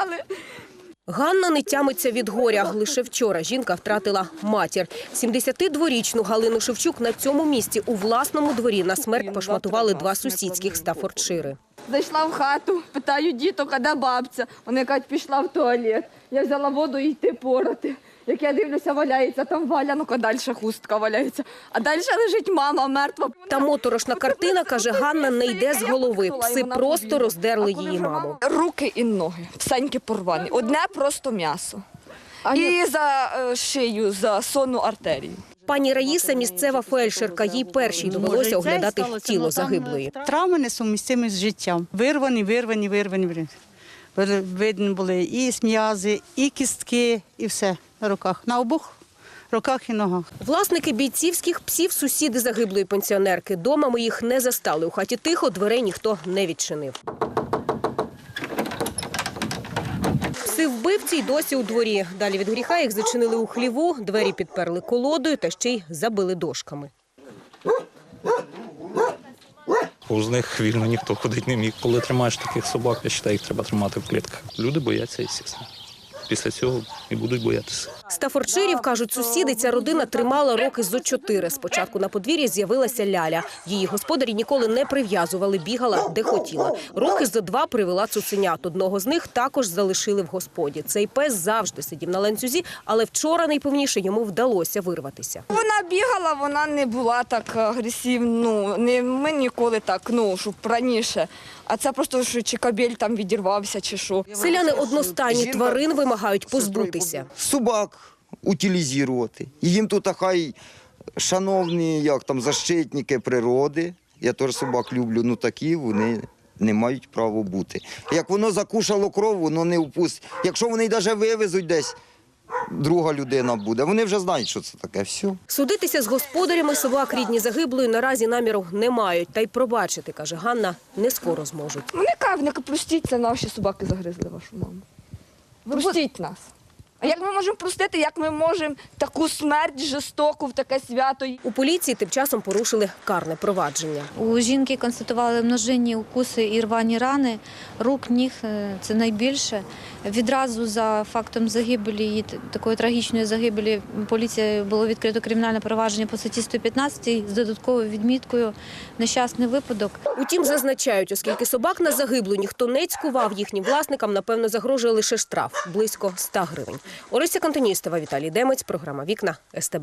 забрали. Ганна не тямиться від горя. Лише вчора жінка втратила матір. 72-річну Галину Шевчук на цьому місці у власному дворі на смерть пошматували два сусідських Стаффордшири. Зайшла в хату, питаю діток, а де бабця? Вони кажуть, пішла в туалет. Я взяла воду і йти порати. Як я дивлюся, валяється там валянок, а далі хустка валяється. А далі лежить мама мертва. Та моторошна картина, каже Ганна, не йде з голови. Пси просто роздерли її маму. Руки і ноги, всенькі порвані. Одне просто м'ясо. І за шию, за сонну артерію. Пані Раїса – місцева фельдшерка. Їй першій довелося оглядати тіло загиблої. Травми несумістимі з життям. Вирвані. Видно були і м'язи, і кістки, і все на руках. На обох руках і ногах. Власники бійцівських псів – сусіди загиблої пенсіонерки. Дома ми їх не застали. У хаті тихо, дверей ніхто не відчинив. Пси-вбивці й досі у дворі. Далі від гріха їх зачинили у хліву, двері підперли колодою та ще й забили дошками. Повз них вільно ніхто ходити не міг. Коли тримаєш таких собак, я вважаю, їх треба тримати в клітках. Люди бояться, звісно. Після цього і будуть боятися. Стаффордширів, кажуть сусіди, ця родина тримала роки зо 4. Спочатку на подвір'ї з'явилася Ляля. Її господарі ніколи не прив'язували, бігала де хотіла. Роки зо 2 привела цуценят. Одного з них також залишили в господі. Цей пес завжди сидів на ланцюзі, але вчора найпевніше йому вдалося вирватися. Вона бігала, вона не була так агресивна. Ми ніколи так, щоб раніше. А це просто, що чи кабель там відірвався, чи що. Селяни одностайні, тварин вимагають позбутися. Собак утилізувати. І їм тут хай шановні защитники природи, я теж собак люблю, такі вони не мають права бути. Як воно закушало кров, воно не впустить. Якщо вони навіть вивезуть десь, друга людина буде. Вони вже знають, що це таке. Все. Судитися з господарями собак рідні загиблої наразі наміру не мають. Та й пробачити, каже Ганна, не скоро зможуть. Вони кажуть, простіть, це наші собаки загризли вашу маму. Простіть нас. А як ми можемо простити, як ми можемо таку смерть жорстоку в таке свято? У поліції тим часом порушили карне провадження. У жінки констатували множинні укуси і рвані рани, рук, ніг – це найбільше. Відразу за фактом загибелі, такої трагічної загибелі, поліцією було відкрито кримінальне провадження по статті 115 з додатковою відміткою «Нещасний випадок». Утім, зазначають, оскільки собак на загиблу ніхто не цькував, їхнім власникам, напевно, загрожує лише штраф – близько 100 гривень. Орися Кантоністова, Віталій Демець, програма «Вікна», СТБ.